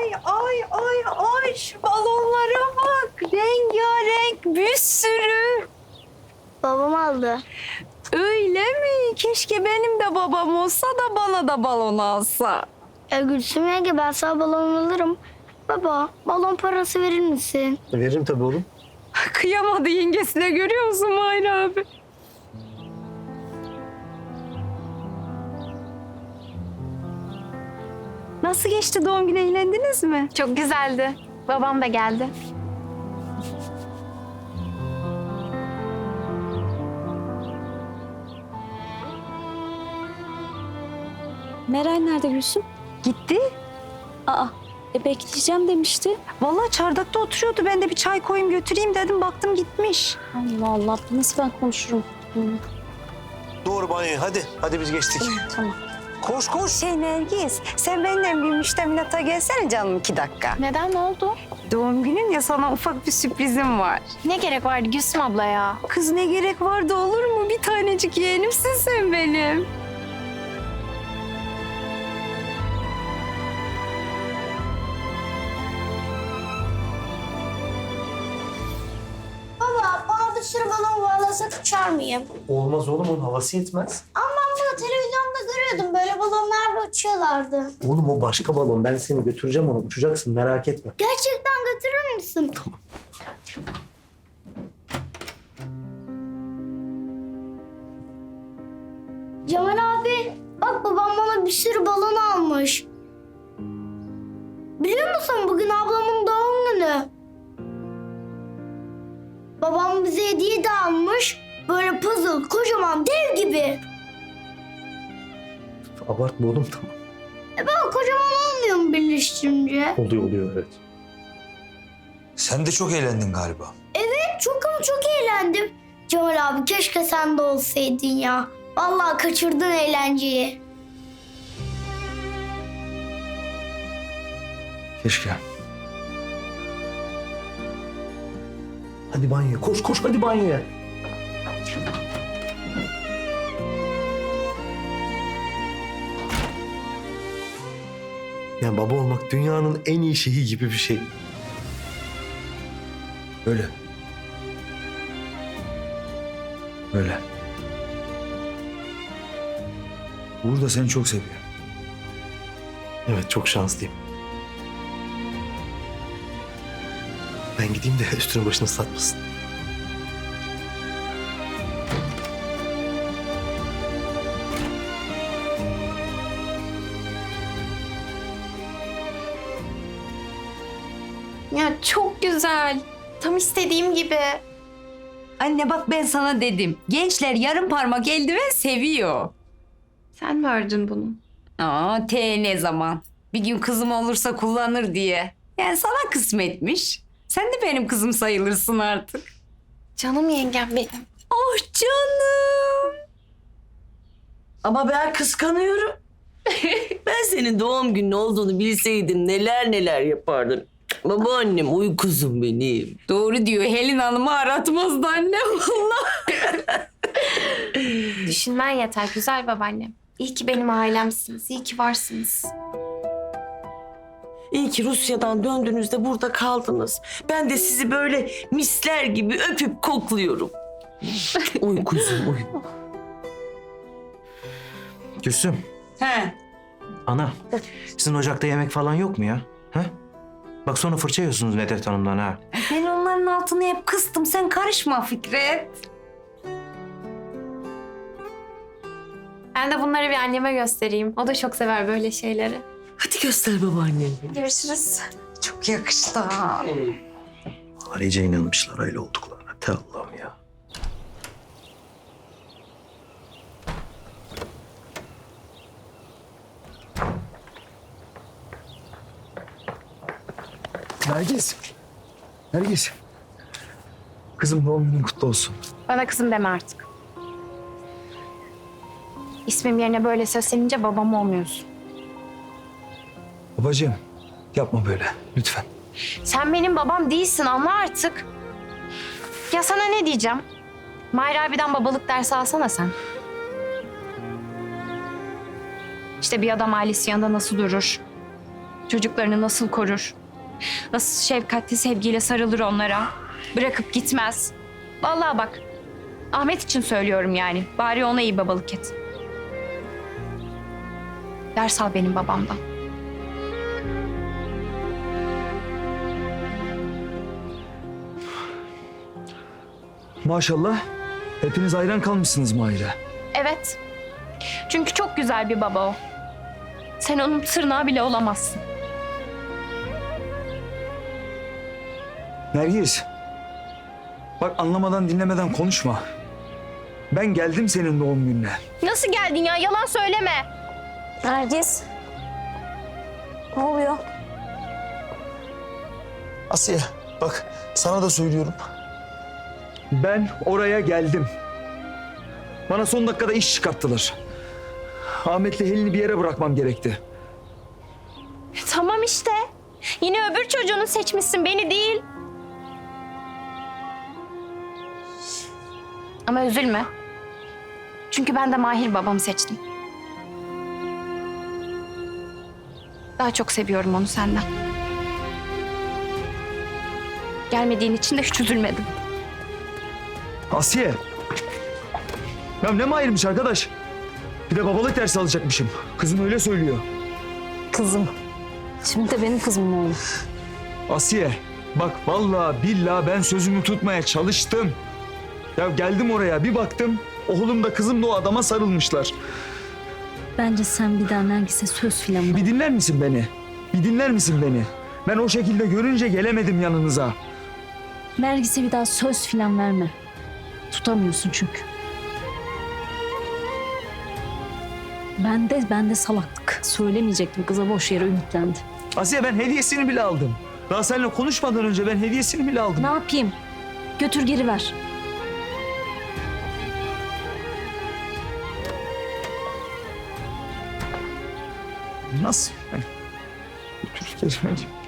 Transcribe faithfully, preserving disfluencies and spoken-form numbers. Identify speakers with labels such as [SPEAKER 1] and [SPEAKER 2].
[SPEAKER 1] Ay ay ay ay şu balonlara bak. Rengarenk bir sürü.
[SPEAKER 2] Babam aldı.
[SPEAKER 1] Öyle mi? Keşke benim de babam olsa da bana da balon alsa.
[SPEAKER 2] E Gülsüm yenge ben sana balon alırım. Baba balon parası verir misin?
[SPEAKER 3] Veririm tabii oğlum.
[SPEAKER 1] Kıyamadı yengesine, görüyor musun Mahir abi? Nasıl geçti doğum günü, eğlendiniz mi?
[SPEAKER 4] Çok güzeldi. Babam da geldi.
[SPEAKER 5] Meral nerede Gülsüm?
[SPEAKER 1] Gitti.
[SPEAKER 5] Aa, e bekleyeceğim demişti.
[SPEAKER 1] Vallahi çardakta oturuyordu. Ben de bir çay koyayım götüreyim dedim. Baktım gitmiş.
[SPEAKER 5] Allah Allah, nasıl ben konuşurum? Hı,
[SPEAKER 3] Doğru banyoya hadi. Hadi biz geçtik.
[SPEAKER 5] tamam.
[SPEAKER 3] Koş koş.
[SPEAKER 1] Şey Nergis, sen benimle bir müştemilata gelsene canım iki dakika.
[SPEAKER 4] Neden, ne oldu?
[SPEAKER 1] Doğum günün ya, sana ufak bir sürprizim var.
[SPEAKER 4] Ne gerek vardı Gülsüm abla ya?
[SPEAKER 1] Kız ne gerek vardı, olur mu? Bir tanecik yeğenimsin sen benim.
[SPEAKER 2] Baba bana bir sürü balon bağlasak uçar mıyım?
[SPEAKER 3] Olmaz oğlum, onun havası yetmez.
[SPEAKER 2] Ama ben bunu televizyonda görüyordum. Böyle balonlarla uçuyorlardı.
[SPEAKER 3] Oğlum o başka balon. Ben seni götüreceğim ona. Uçacaksın, merak etme.
[SPEAKER 2] Gerçekten götürür müsün? Tamam. Cemal abi bak babam bana bir sürü balon almış. Biliyor musun bugün ablamın doğum günü. Babam bize hediye de almış. Böyle puzzle kocaman dev gibi.
[SPEAKER 3] Abartma oğlum, tamam.
[SPEAKER 2] E baba kocaman olmuyor mu birleştirince?
[SPEAKER 3] Oluyor oluyor evet.
[SPEAKER 6] Sen de çok eğlendin galiba.
[SPEAKER 2] Çok ama çok eğlendim. Cemal abi keşke sen de olsaydın ya. Vallahi kaçırdın eğlenceyi.
[SPEAKER 3] Keşke. Hadi banyoya. Koş koş hadi banyoya. Ya baba olmak dünyanın en iyi şeyi gibi bir şey. Öyle.
[SPEAKER 6] Öyle. Uğur da seni çok seviyor.
[SPEAKER 3] Evet, çok şanslıyım. Ben gideyim de üstünü başını ıslatmasın.
[SPEAKER 4] Ya çok güzel. Tam istediğim gibi.
[SPEAKER 1] Anne bak, ben sana dedim. Gençler yarım parmak eldiven seviyor.
[SPEAKER 4] Sen mi ördün bunu?
[SPEAKER 1] Aa, te ne zaman? Bir gün kızım olursa kullanır diye. Yani sana kısmetmiş. Sen de benim kızım sayılırsın artık.
[SPEAKER 4] Canım yengem benim.
[SPEAKER 1] Oh canım.
[SPEAKER 7] Ama ben kıskanıyorum. Ben senin doğum günün olduğunu bilseydim neler neler yapardım. Babaannem uykuzum benim.
[SPEAKER 1] Doğru diyor. Helin Hanım'ı aratmazdı anne vallahi.
[SPEAKER 4] Düşünmen yeter güzel babaannem. İyi ki benim ailemsiniz. İyi ki varsınız.
[SPEAKER 7] İyi ki Rusya'dan döndüğünüzde burada kaldınız. Ben de sizi böyle misler gibi öpüp kokluyorum. Uykuzum uy.
[SPEAKER 8] Gülsüm,
[SPEAKER 1] He.
[SPEAKER 8] ana. Sizin ocakta yemek falan yok mu ya? Ha? Bak sonra fırça yiyorsunuz Nedret Hanım'dan ha.
[SPEAKER 1] Ben onların altını hep kıstım. Sen karışma Fikret.
[SPEAKER 4] Ben de bunları bir anneme göstereyim. O da çok sever böyle şeyleri.
[SPEAKER 7] Hadi göster babaannem.
[SPEAKER 4] Görüşürüz.
[SPEAKER 1] Çok yakıştı ha.
[SPEAKER 3] Onlar iyice inanmışlar öyle olduklarına. Te Allah'ım ya. Nergis. Nergis. Kızım doğum günün kutlu olsun.
[SPEAKER 4] Bana kızım deme artık. İsmim yerine böyle seslenince babam olmuyorsun.
[SPEAKER 6] Babacığım yapma böyle lütfen.
[SPEAKER 4] Sen benim babam değilsin, anla artık. Ya sana ne diyeceğim? Mahir abiden babalık dersi alsana sen. İşte bir adam ailesi yanında nasıl durur? Çocuklarını nasıl korur? Nasıl şefkatli sevgiyle sarılır onlara? Bırakıp gitmez. Vallahi bak, Ahmet için söylüyorum yani. Bari ona iyi babalık et. Ders al benim babamdan.
[SPEAKER 6] Maşallah. Hepiniz hayran kalmışsınız Mahir'e.
[SPEAKER 4] Evet. Çünkü çok güzel bir baba o. Sen onun tırnağı bile olamazsın.
[SPEAKER 6] Nergis. Bak anlamadan dinlemeden konuşma. Ben geldim senin doğum gününe.
[SPEAKER 4] Nasıl geldin ya? Yalan söyleme.
[SPEAKER 5] Nergis. Ne oluyor?
[SPEAKER 3] Asiye bak sana da söylüyorum.
[SPEAKER 6] Ben oraya geldim. Bana son dakikada iş çıkarttılar. Ahmet'le Helin'i bir yere bırakmam gerekti.
[SPEAKER 4] E, tamam işte. Yine öbür çocuğunu seçmişsin, beni değil. Ama üzülme. Çünkü ben de Mahir babamı seçtim. Daha çok seviyorum onu senden. Gelmediğin için de hiç üzülmedim.
[SPEAKER 6] Asiye. Ya ne Mahir'miş arkadaş? Bir de babalık dersi alacakmışım. Kızım öyle söylüyor.
[SPEAKER 5] Kızım. Şimdi de benim kızım mı oldu?
[SPEAKER 6] Asiye. Bak vallahi billahi ben sözümü tutmaya çalıştım. Ya geldim oraya bir baktım. Oğlum da kızım da o adama sarılmışlar.
[SPEAKER 5] Bence sen bir daha Nergis'e söz filan ver.
[SPEAKER 6] Bir dinler misin beni? Bir dinler misin beni? Ben o şekilde görünce gelemedim yanınıza.
[SPEAKER 5] Nergis'e bir daha söz filan verme. Tutamıyorsun çünkü. Ben de, ben de salaklık. Söylemeyecektim, kıza boş yere ümitlendi.
[SPEAKER 6] Asiye ben hediyesini bile aldım. Daha seninle konuşmadan önce ben hediyesini bile aldım.
[SPEAKER 5] Ne yapayım? Götür geri ver.
[SPEAKER 6] Nasıl? Yani? Götür geri vereyim.